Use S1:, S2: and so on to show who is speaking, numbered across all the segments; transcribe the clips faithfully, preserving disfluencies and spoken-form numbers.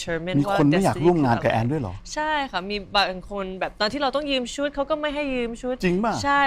S1: determine
S2: มีคนไม่อยากร่วมงานกับแอนด้วยเหรอ
S1: ใช่ค่ะมีบางคนแบบตอนที่เราต้องยืมชุดเขาก็ไม่ให้ยืมชุด
S2: จริงป่ะ
S1: ใช่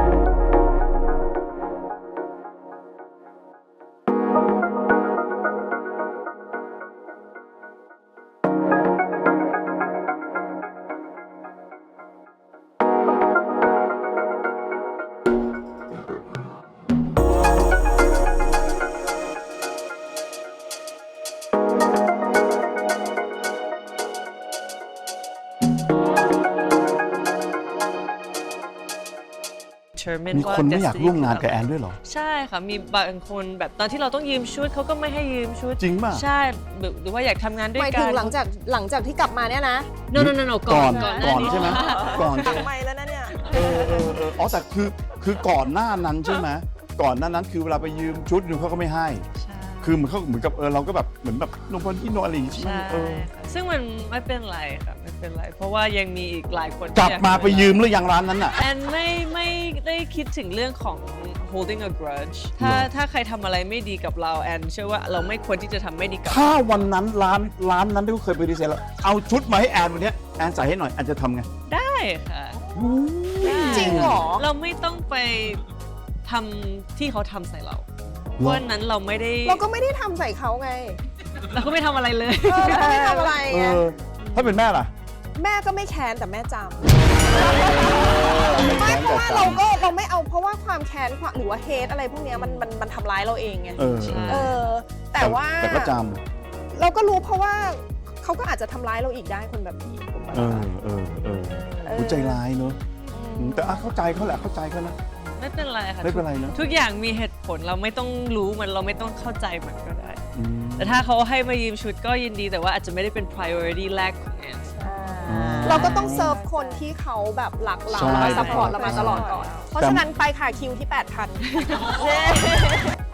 S2: มีคนไม่อยากร่วมงานกับแอนด้วยเหรอ
S1: ใช่ค่ะมีบางคนแบบตอนที่เราต้องยืมชุดเขาก็ไม่ให้ยืมชุด
S2: จริงป่ะ
S1: ใช่หรือว่าอยากทำงานด้วยกัน
S3: หมายถึงหลังจากหลังจากที่กลับมาเนี่ยนะ
S1: no no no no ก่อน
S2: ก่อนก่อนใช่ไหมก่อน
S3: หลังไม่แล้วนะเนี่ย
S2: เออเออเอออ๋อแต่คือคือก่อนหน้านั้นใช่ไหมก่อนหน้านั้นคือเวลาไปยืมชุดนึงเขาก็ไม่ให้คือเหมือนเขาเหมือนกับเออเราก็แบบเหมือนแบบโนพอที่โนอะไรอย่างงี้ใช่ไหมเออ
S1: ซึ่งมันไม่เป็นไรค่ะไม่เป็นไรเพราะว่ายังมีอีกหลายคน
S2: กลับมาไปยืมหรือยังร้านนั้นอ่ะ
S1: แอนไม่ไม่ได้คิดถึงเรื่องของ holding a grudge ถ้าถ้าใครทำอะไรไม่ดีกับเราแอนเชื่อว่าเราไม่ควรที่จะทำไม่ดีกับ
S2: ถ้าวันนั้นร้านร้านนั้นที่เขาเคยไปดีเซลแล้วเอาชุดมาให้แอนวันนี้แอนใส่ให้หน่อยแอนจะทำไง
S1: ได้ค่ะ
S3: จริงเหรอ
S1: เราไม่ต้องไปทำที่เขาทำใส่เราวันนั้นเราไม่ได้
S3: เราก็ไม่ได้ทำใส่เขาไง
S1: เราก็ไม่ทำอะไรเลย
S3: เราก็ไม่ทำอะไรไง
S2: ถ้าเป็นแม่ล่ะ
S3: แม่ก็ไม่แค้นแต่แม่จำไม่เพราะว่าเราก็เราไม่เอาเพราะว่าความแค้นหรือว่าเฮทอะไรพวกนี้มันมันมันทำร้ายเราเองไงเออแต่ว่า
S2: แต่ก็จ
S3: ำเราก็รู้เพราะว่าเขาก็อาจจะทำร้ายเราอีกได้คนแบบนี้
S2: เออเออเออหัวใจร้ายเนอะแต่เข้าใจเขาแหละเข้าใจเขานะ
S1: ไม่เป็นไรค่ะ
S2: ไม่เป็นไรนะ
S1: ทุกอย่างมีเหตุผลเราไม่ต้องรู้มันเราไม่ต้องเข้าใจมันก็ได้แต่ถ้าเขาให้มายืมชุดก็ยินดีแต่ว่าอาจจะไม่ได้เป็น priority แรกของแอน
S3: เราก็ต้องเซิร์ฟคนที่เขาแบบรักเราและซัพพอร์ตเรามาตลอดก่อนเพราะฉะนั้นไปค่ะคิวที่ แปดพัน